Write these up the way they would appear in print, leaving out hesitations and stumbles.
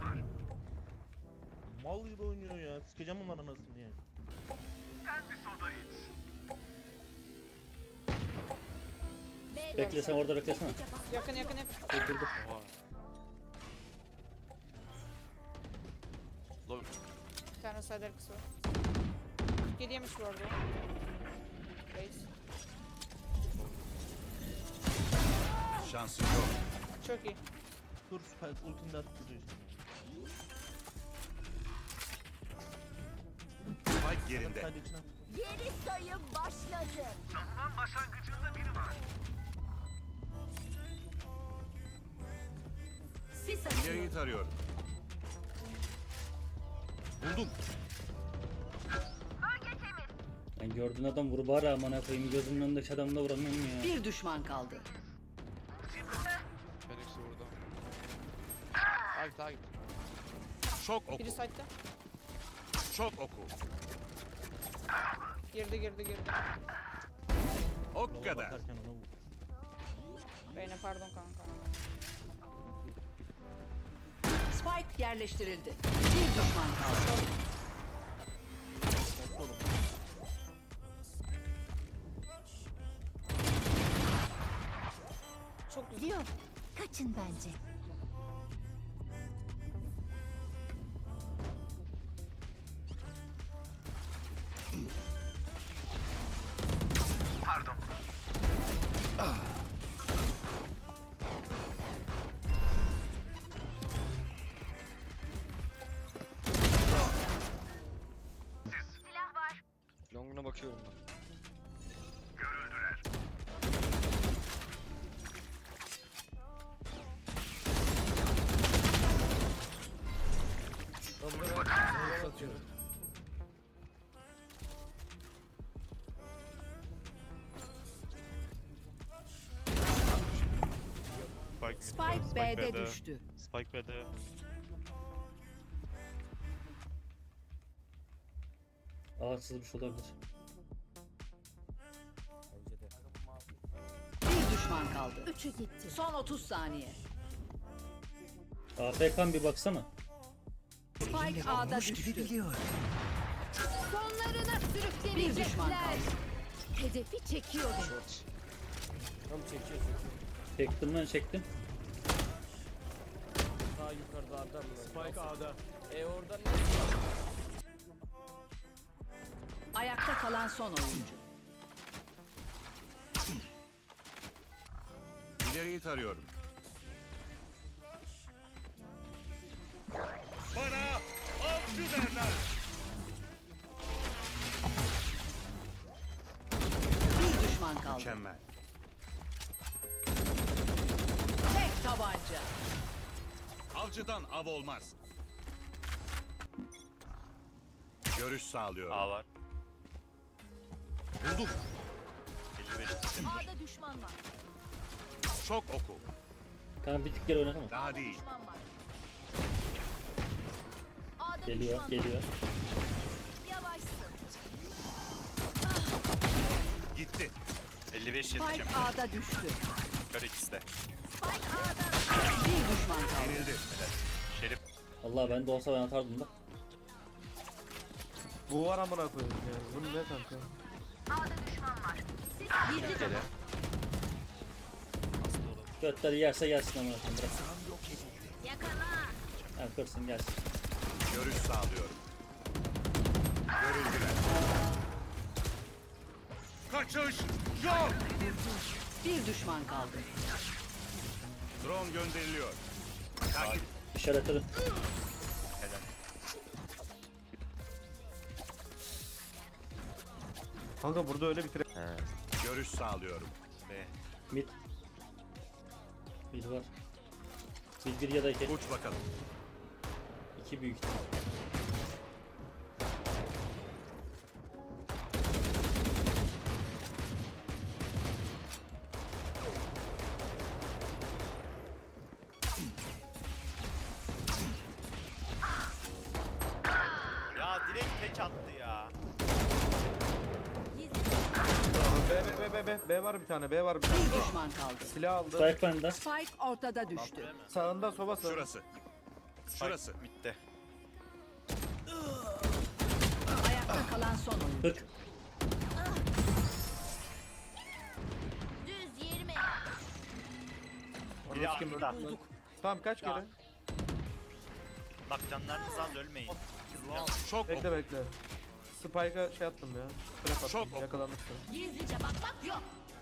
Mal gibi oynuyor ya. Sikeceğim onların anasını yani. Bekle sen orada beklesene. Yakın. Dur. Oha. Low. Bir tane side arkası var. 47 yemiş bu arada. Reis. Şansın yok. Çok iyi. Dur Spike ultini de atıp duruyor işte. Spike yerinde. Hadi içine at. Geri sayım başladı. Sis atıyor. İleriyi tarıyorum. Buldum. Ben gördüğün adam vur bari amına koyayım, gözümün önündeki adamı da vuramıyorum ya. Bir düşman kaldı. Phoenix vurdu. Takip. Şok oku. Biri side'da. Şok oku. Girdi. Ok Yola kadar. bakarken ona vur. Beyne pardon kanka. Spike yerleştirildi. Bir düşman kaldı. Çok güzel. Diyor. Kaçın bence. Long'una bakıyorum ben. Spike B'de düştü. Spike B'de. Aa sızmış olabilir. Bir düşman kaldı. Üçü gitti. Son 30 saniye. AFK'm bir baksana. Spike A'da düştü. Sonlarına sürükleyecekler. Bir düşman kaldı. Hedefi çekiyordu. Tam çekiyor. Çektim. Daha yukarıda adam mı? Spike A'da. Oradan ne? Ayakta kalan son oyuncu. İleriyi tarıyorum. Bana avcı derler. Bir düşman kaldı. Mükemmel. Tek tabanca. Avcıdan av olmaz. Görüş sağlıyorum. A var. Buldum. 55. A'da düşman var. Şok oku. Kanka bir tık geri oynasana. Daha değil. Düşman var. A'da Geliyor. Yavaşsın. Gitti. 55 Spike yeteceğim. A'da düştü. Kör ikisi de. Spike A'da. Bir düşman kaldı. Yenildi. Şerif. Allah ben de olsa ben atardım da. Bu var amına koyayım ya. Bu ne kanka? Gele. Götleri yerse gelsin amına koyayım bırak. Ha kırsın gelsin. Görüş sağlıyorum. Görüldüler. Kaçış yok. Bir düşman kaldı. Drone gönderiliyor. Takip. İşaretledim. Helal. Kanka burada öyle bir tren. Görüş sağlıyorum. B. Mid. Bir var. Bir ya da iki. Uç bakalım. İki büyük ihtimal. Ya direkt tek attı ya. B var bir tane. B var bir tane. Bir düşman kaldı. Silah aldı. Spike bende. Spike ortada düştü. Sağında soba sağ. Şurası. Şurası. Bitti. Ayakta kalan son oyuncu. 40. Düz 20. Biri Anasını kim arkada. öldü? Tamam kaç Ya. kere? Bak canlarınız az ölmeyin. Çok Bekle oku. bekle. Spike'a şey attım ya. Trap attım. Çok oku. Yakalandık sonra. Gizlice bakmak yok.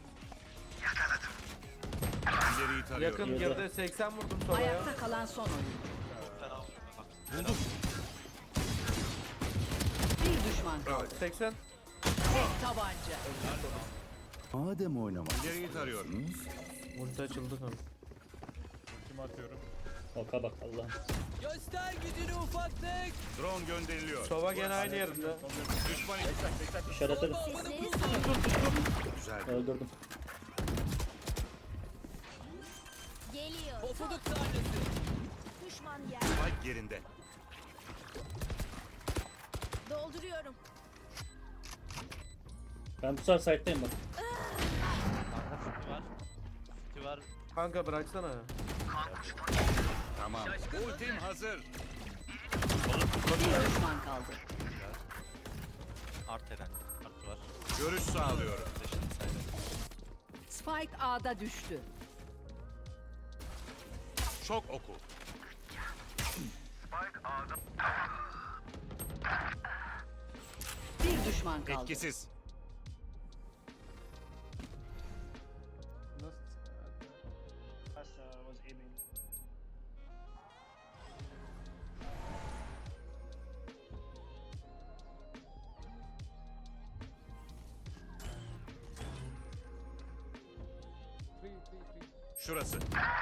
İleriyi tarıyorum. Yakın girdi. 80 vurdum sonra ya. Ayakta kalan son oyuncu. Bir düşman kaldı. 80. Tek tabanca. Madem oynamak. İleriyi tarıyorum. Ulti açıldı kanka. Oka bak Allah'ım. Göster gücünü ufaklık. Drone gönderiliyor. Sova gene aynı yerinde. Düşman İşaret edin. Sesleri salın. güzel. Öldürdüm. Geliyor. Pofuduk tanesi. Düşman yer. Spike yerinde. Dolduruyorum. Ben bu sefer site'dayım bak. Kanka bıraksana ya. Tamam. Ultim hazır. Bir düşman kaldı. Art eden. Art var. Görüş sağlıyorum. Spike A'da düştü. Çok oku. Bir düşman kaldı. Etkisiz. Şurası.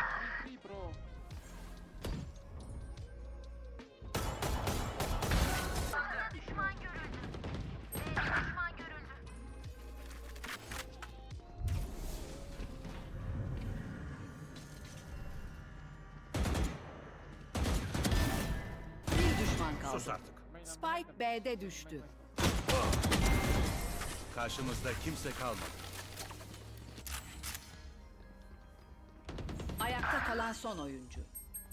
Bir düşman kaldı. Sus artık. Spike B'de düştü. Karşımızda kimse kalmadı. Ayakta kalan son oyuncu.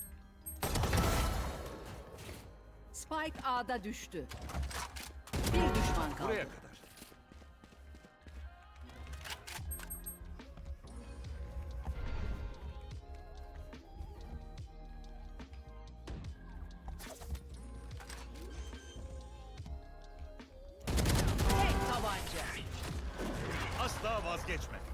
Spike A'da düştü. Bir düşman kaldı. Buraya kadar. Tek tabanca. Asla vazgeçme.